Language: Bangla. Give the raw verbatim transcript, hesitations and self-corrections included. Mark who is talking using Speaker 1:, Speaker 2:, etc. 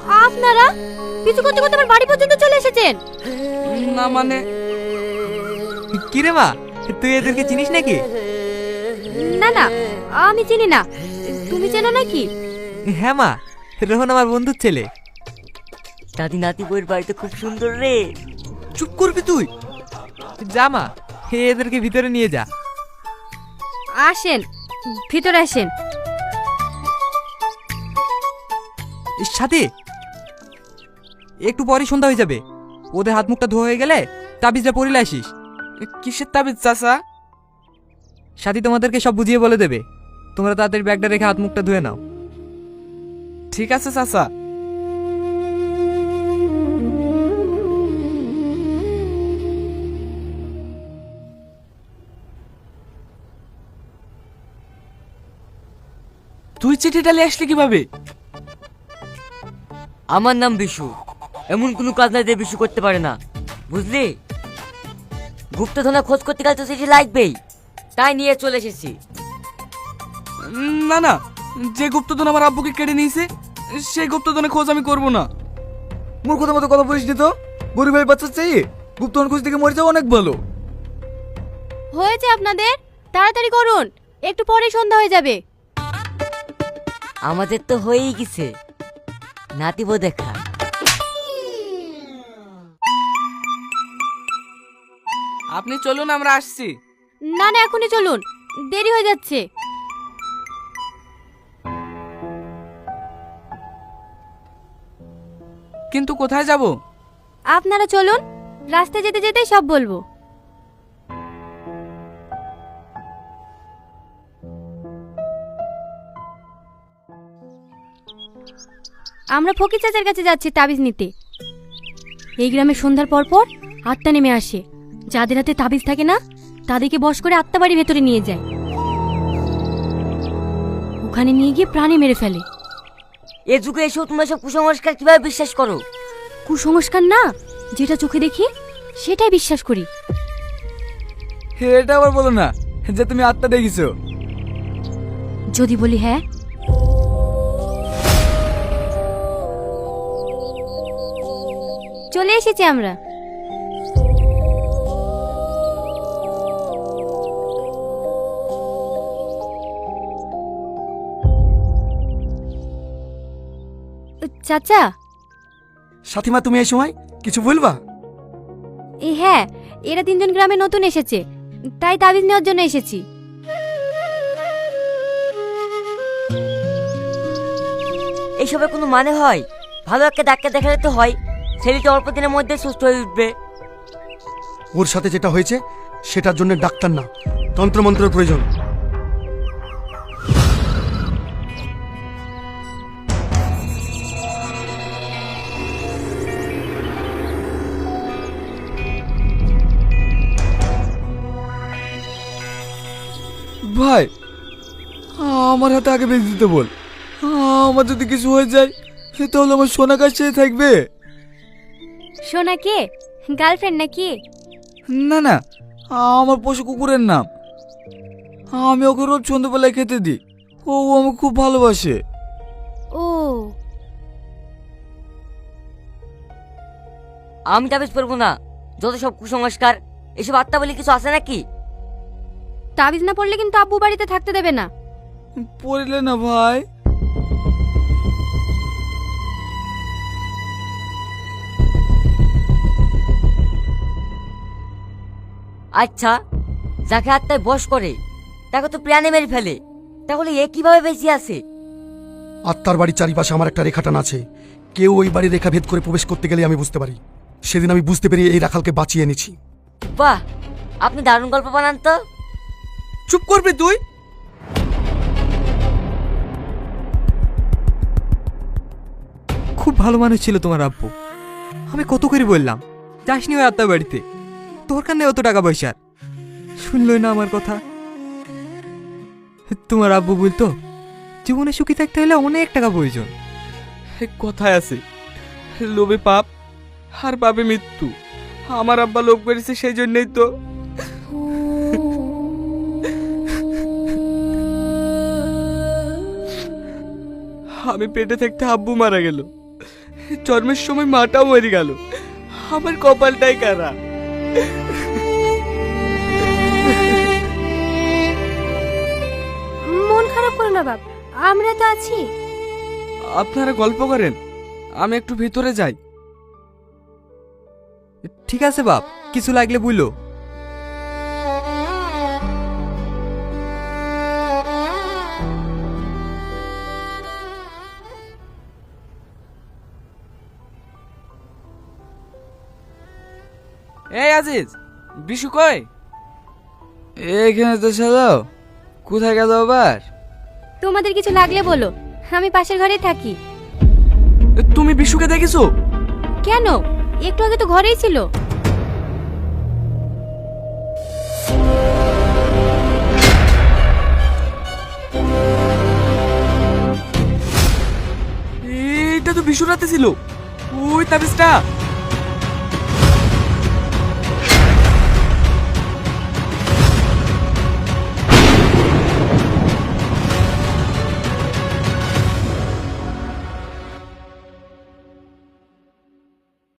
Speaker 1: আপনারা কিছু করতে করতে আমার বাড়ি পর্যন্ত চলে এসেছেন।
Speaker 2: না মানে
Speaker 3: কি রে মা, তুই এদেরকে চিনিস নাকি?
Speaker 1: না না, আমি চিনি না। তুমি চেনো নাকি?
Speaker 3: হ্যাঁ মা, রোহন আমার বন্ধুর ছেলে।
Speaker 4: দাদি নাতি বইয়ের বাড়িতে খুব সুন্দর রে।
Speaker 3: চুপ করবি তুই? যা মা, এদেরকে ভিতরে নিয়ে যা।
Speaker 1: আসেন, ভিতরে আসেন।
Speaker 3: সাথী, একটু পরে সন্ধ্যা হয়ে যাবে। ওদের হাত মুখটা ধোয়া হয়ে গেলে তাবিজটা পরিলে আসিস।
Speaker 2: কিসের তাবিজ চাচা?
Speaker 3: সাথী তোমাদেরকে সব বুঝিয়ে বলে দেবে। তোমরা তাড়াতাড়ি ব্যাগটা রেখে হাত মুখটা ধুয়ে নাও।
Speaker 2: ঠিক আছে চাচা। তুই চিঠিটা নিয়ে আসলি কিভাবে?
Speaker 4: আমার নাম বিশু। এমন কোনো কাজ নাই যে বিশু করতে পারে না, বুঝলি? গুপ্তধনের খোঁজ করতে গেলে তো চিঠি লাগবেই, তাই নিয়ে চলে এসেছি।
Speaker 2: না না, যে গুপ্তধন আমার আব্বুকে কেড়ে নিয়েছে সেই গুপ্তধনের খোঁজ আমি করব না।
Speaker 5: মূর্খতার মতো কথা বলিস নি তো। গরিবের বাচ্চা চাই গুপ্তধন খোঁজ থেকে মরে যাওয়া অনেক ভালো।
Speaker 1: হয়েছে আপনাদের, তাড়াতাড়ি করুন, একটু পরেই সন্ধ্যা হয়ে যাবে।
Speaker 4: আমাদের তো হয়েই গেছে, নাতিব দেখা।
Speaker 2: আপনি চলুন, আমরা আসছি।
Speaker 1: না না, এখনই চলুন, দেরি হয়ে যাচ্ছে।
Speaker 2: কিন্তু কোথায় যাব?
Speaker 1: আপনারা চলুন, রাস্তায় যেতে যেতেই সব বলবো। আমরা ফকির চাচার কাছে যাচ্ছি তাবিজ নিতে। এই গ্রামে সন্ধ্যার পর পর আত্মা নেমে আসে। যাদের হাতে তাবিজ থাকে না, তাদেরকে বশ করে আত্মা বাড়ির ভেতরে নিয়ে যায়। ওখানে নিয়ে গিয়ে প্রাণে মেরে ফেলে।
Speaker 4: এ যুগে এসেও তোমরা সব কুসংস্কার কিভাবে বিশ্বাস করো?
Speaker 1: কুসংস্কার না, যেটা চোখে দেখি সেটাই বিশ্বাস করি।
Speaker 5: এটা আবার বলো না যে তুমি আত্মা দেখেছো।
Speaker 1: যদি বলি হ্যাঁ, চলে এসেছি আমরা। চাচা।
Speaker 5: সাথীমা, তুমি এই সময় কিছু বলবা?
Speaker 1: এ হ্যাঁ, এরা তিনজন গ্রামে নতুন এসেছে, তাই তাবিজ নেওয়ার জন্য এসেছি।
Speaker 4: এইসবের কোনো মানে হয়? ভালো একটা ডাক্তার দেখালে তো হয়, ছেলেটা অল্প দিনের মধ্যে সুস্থ হয়ে উঠবে।
Speaker 5: ওর সাথে যেটা হয়েছে সেটার জন্য ডাক্তার না, তন্ত্রমন্ত্রের প্রয়োজন। ভাই, আমার হাতে আগে বেঁধে দিতে বল। আমার যদি কিছু হয়ে যায় তাহলে আমার সোনা কাছে থাকবে।
Speaker 1: সোনা কে? গার্লফ্রেন্ড নাকি?
Speaker 5: না না, আমার পশু কুকুরের নাম। আমি ওকে রোজ সন্ধ্যাবেলায় খেতে দিই। ও আমাকে খুব ভালোবাসে।
Speaker 1: ও,
Speaker 4: আমি তাবিজ পরবো না। যত সব কুসংস্কার, এসব আত্মা বলে কিছু আছে নাকি?
Speaker 1: তাবিজ না পড়লে কিন্তু আব্বু বাড়িতে থাকতে দেবে না।
Speaker 5: পড়লে না ভাই।
Speaker 4: আচ্ছা, যাকে আত্মায় বশ করে তাকে তো প্রাণে মেরে ফেলে, তাহলে এ কিভাবে বেঁচে আছে?
Speaker 5: আত্মার বাড়ির চারিপাশে আমার একটা রেখাটান আছে। কেউ ওই বাড়ির রেখা ভেদ করে প্রবেশ করতে গেলে আমি বুঝতে পারি। সেদিন আমি বুঝতে পেরে এই রাখালকে বাঁচিয়ে এনেছি।
Speaker 4: বাহ, আপনি দারুণ গল্প বানান তো।
Speaker 2: চুপ করবি তুই?
Speaker 3: খুব ভালো মানুষ ছিল তোমার আব্বু। আমি কত করে বললাম যাসনি ওই আত্মা বাড়িতে, দরকার নেই অত টাকা পয়সার। শুনলই না আমার কথা। তোমার আব্বু বলতো জীবনে সুখী থাকতে হলে অনেক টাকা প্রয়োজন।
Speaker 2: কথায় আছে, লোভে পাপ আর পাপে মৃত্যু। আমার আব্বা লোভ করেছে, সেই জন্যই তো। আমি পেটে থাকতে আব্বু মারা গেল। জন্মের সময় মাটাও মরে গেল, আমার কপালটাই কারা।
Speaker 1: মন খারাপ করো না বাপ, আমরা তো আছি।
Speaker 2: আপনারা গল্প করেন, আমি একটু ভেতরে যাই।
Speaker 3: ঠিক আছে বাপ, কিছু লাগলে বুঝলো।
Speaker 2: এই আজিজ, বিশু কই?
Speaker 5: এখানে তো সাজাও, কোথায় গেল আবার?
Speaker 1: তোমাদের কিছু লাগলে বলো, আমি পাশের ঘরেই থাকি।
Speaker 2: তুমি বিশুকে দেখেছো?
Speaker 1: কেন, একটু আগে তো ঘরেই ছিল।
Speaker 2: এটা তো বিশুর রাতে ছিল, ওই তাবিজটা।